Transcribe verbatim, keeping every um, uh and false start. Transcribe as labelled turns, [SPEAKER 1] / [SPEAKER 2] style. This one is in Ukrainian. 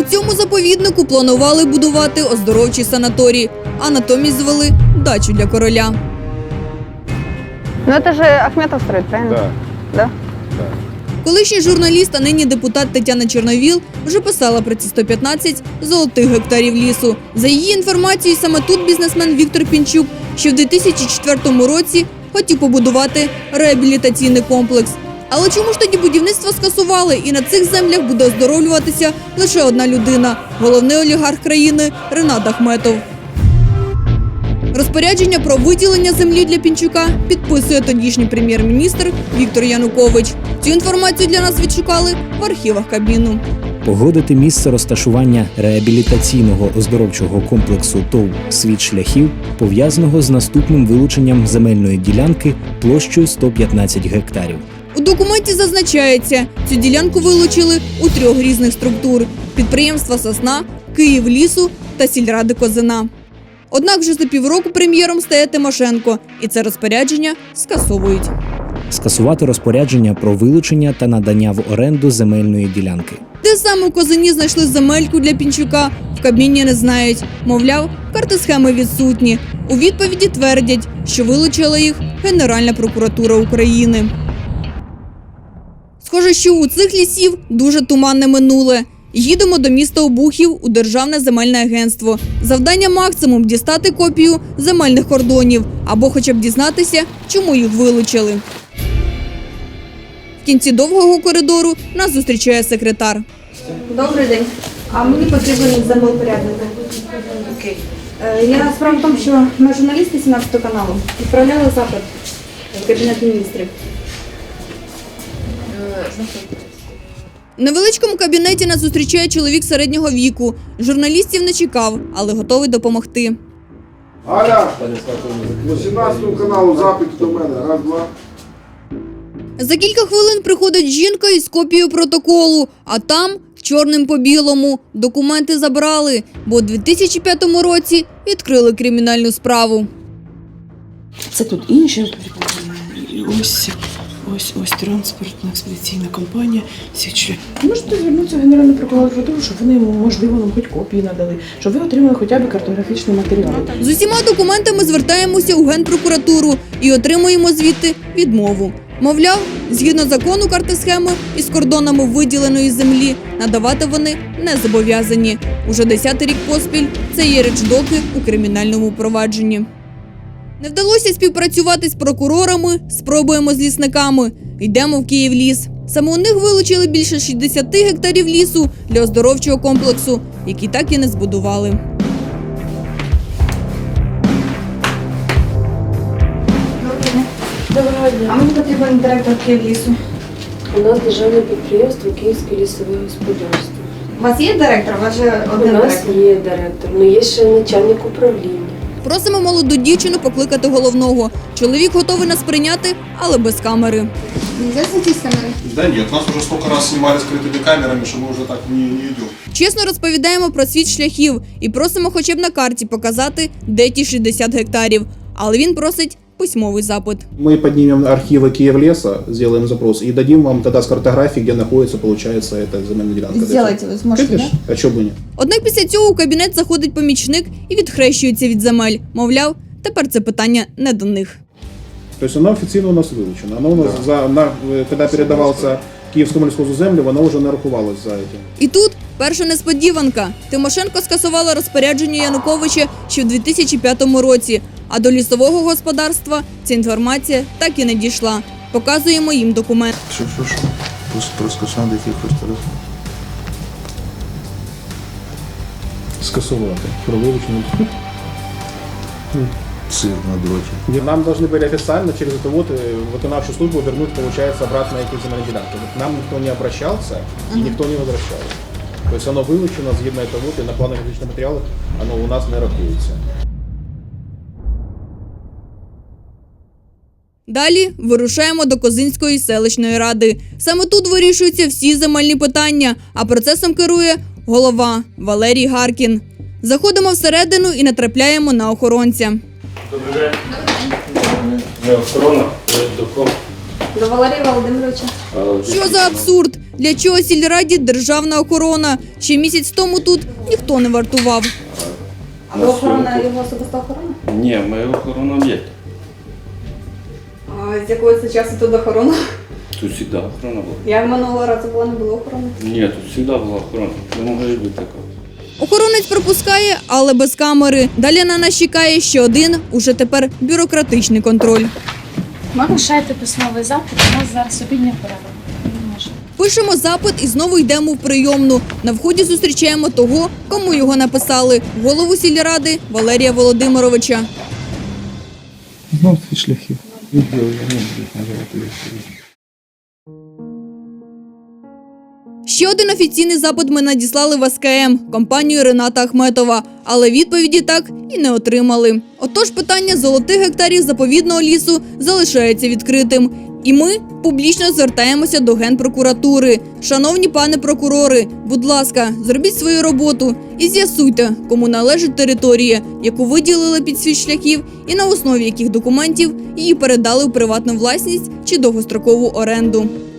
[SPEAKER 1] цьому заповіднику планували будувати оздоровчий санаторій, а натомість звели дачу для короля.
[SPEAKER 2] Ну это же Ахметов строит, правильно?
[SPEAKER 3] Да.
[SPEAKER 2] Да?
[SPEAKER 1] Колишній журналіст, а нині депутат Тетяна Чорновіл вже писала про ці сто п'ятнадцять золотих гектарів лісу. За її інформацією, саме тут бізнесмен Віктор Пінчук ще в дві тисячі четвертому році хотів побудувати реабілітаційний комплекс. Але чому ж тоді будівництво скасували і на цих землях буде оздоровлюватися лише одна людина – головний олігарх країни Ренат Ахметов. Розпорядження про виділення землі для Пінчука підписує тодішній прем'єр-міністр Віктор Янукович. Цю інформацію для нас відшукали в архівах Кабміну.
[SPEAKER 4] Погодити місце розташування реабілітаційного оздоровчого комплексу ТОВ «Світ шляхів» пов'язаного з наступним вилученням земельної ділянки площею сто п'ятнадцять гектарів.
[SPEAKER 1] У документі зазначається, цю ділянку вилучили у трьох різних структур – підприємства «Сосна», «Київлісу» та сільради «Козина». Однак вже за півроку прем'єром стає Тимошенко, і це розпорядження скасовують.
[SPEAKER 4] Скасувати розпорядження про вилучення та надання в оренду земельної ділянки.
[SPEAKER 1] Де саме у Козині знайшли земельку для Пінчука, в Кабміні не знають. Мовляв, карти схеми відсутні. У відповіді твердять, що вилучила їх Генеральна прокуратура України. Схоже, що у цих лісів дуже туманне минуле. Їдемо до міста Обухів у Державне земельне агентство. Завдання максимум – дістати копію земельних кордонів або хоча б дізнатися, чому їх вилучили. В кінці довгого коридору нас зустрічає секретар.
[SPEAKER 5] Добрий день. А мені потрібен землепорядник. Окей. Е, Я справа в тому, що ми журналісти сімнадцятого каналу відправляли запит в Кабінет міністрів.
[SPEAKER 1] В невеличкому кабінеті нас зустрічає чоловік середнього віку. Журналістів не чекав, але готовий допомогти.
[SPEAKER 3] Аля, по сімнадцятому каналу запит до мене. Раз, два.
[SPEAKER 1] За кілька хвилин приходить жінка із копією протоколу, а там, чорним по білому, документи забрали, бо у дві тисячі п'ятому році відкрили кримінальну справу.
[SPEAKER 6] Це тут інші. Ось, ось, ось транспортна експедиційна компанія «Світ». Можете звернутися в Генеральну прокуратуру, щоб вони, можливо, нам хоч копії надали, щоб ви отримали хоча б картографічні матеріали.
[SPEAKER 1] З усіма документами звертаємося у Генпрокуратуру і отримуємо звідти відмову. Мовляв, згідно закону карти схеми із кордонами виділеної землі надавати вони не зобов'язані. Уже десятий рік поспіль це є речдоки у кримінальному провадженні. Не вдалося співпрацювати з прокурорами, спробуємо з лісниками. Йдемо в Київліс. Саме у них вилучили більше шістдесят гектарів лісу для оздоровчого комплексу, який так і не збудували.
[SPEAKER 6] Доброго дня.
[SPEAKER 5] А мені потрібен директор Київлісу.
[SPEAKER 6] У нас державне підприємство «Київське лісове господарство».
[SPEAKER 5] У вас є директор? У вас же
[SPEAKER 6] У
[SPEAKER 5] один
[SPEAKER 6] нас
[SPEAKER 5] директор.
[SPEAKER 6] є директор, але є ще начальник управління.
[SPEAKER 1] Просимо молоду дівчину покликати головного. Чоловік готовий нас прийняти, але без камери.
[SPEAKER 5] Нельзя зайти з камери?
[SPEAKER 7] Да нет, нас уже столько раз снимали скрытыми камерами, что мы уже так не, не идем.
[SPEAKER 1] Чесно розповідаємо про світ шляхів і просимо хоча б на карті показати, де ті шістдесят гектарів. Але він просить письмовий запит.
[SPEAKER 8] Мы поднимем архивы Киевлеса, сделаем запрос и дадим вам тогда с картографии, где находится, получается, эта земельная делянка.
[SPEAKER 5] Сделайте, вы сможете,
[SPEAKER 8] Конечно. А чего бы нет?
[SPEAKER 1] Однак після цього у кабінет заходить помічник і відхрещується від земель. Мовляв, тепер це питання не до них.
[SPEAKER 8] То есть она официально у нас вылучена. Она у нас, за, на, когда передавался Киевскому лесхозу землю, она уже нарахувалась за этим.
[SPEAKER 1] І тут перша несподіванка. Тимошенко скасувала розпорядження Януковича ще в дві тисячі п'ятому році, а до лісового господарства ця інформація так і не дійшла. Показуємо їм документ.
[SPEAKER 7] Что, что, что? Просто про скасування якихось тарифів.
[SPEAKER 8] Скасувати. Про вилучення.
[SPEAKER 7] Цирк на дроте.
[SPEAKER 8] Нам должны были официально через это вот виконавчую службу вернуть, получается, обратно эти земельные делянки. Вот нам никто не обращался и никто не возвращал. То есть оно вылучено, згідно этого вот, и на планах различных материалов оно у нас не рахується.
[SPEAKER 1] Далі вирушаємо до Козинської селищної ради. Саме тут вирішуються всі земельні питання, а процесом керує голова Валерій Гаркін. Заходимо всередину і натрапляємо на охоронця.
[SPEAKER 9] Добрий день. Ми охорона, до кого?
[SPEAKER 5] До Валерія Володимировича.
[SPEAKER 1] Що за абсурд? Для чого сільраді державна охорона? Ще місяць тому тут ніхто не вартував.
[SPEAKER 5] А ви охорона, його особиста охорона?
[SPEAKER 9] Ні, ми охорона об'єкту.
[SPEAKER 5] А з якого це часу тут охорона?
[SPEAKER 9] Тут завжди охорона була.
[SPEAKER 5] Я минулого разу була, не було охорони.
[SPEAKER 9] Ні, тут завжди була охорона. Не може бути такого.
[SPEAKER 1] Охоронець пропускає, але без камери. Далі на нас чекає ще один, уже тепер бюрократичний контроль.
[SPEAKER 10] Ви лишаєте письмовий запит, у нас зараз обідня перерва. Не може.
[SPEAKER 1] Пишемо запит і знову йдемо в прийомну. На вході зустрічаємо того, кому його написали – голову сільради Валерія Володимировича.
[SPEAKER 11] Знов ці шляхи.
[SPEAKER 1] Ще один офіційний запит ми надіслали в ес ка ем, компанію Рената Ахметова, але відповіді так і не отримали. Отож питання золотих гектарів заповідного лісу залишається відкритим. І ми публічно звертаємося до Генпрокуратури. Шановні пане прокурори, будь ласка, зробіть свою роботу і з'ясуйте, кому належить територія, яку виділили під світ шляхів і на основі яких документів її передали у приватну власність чи довгострокову оренду.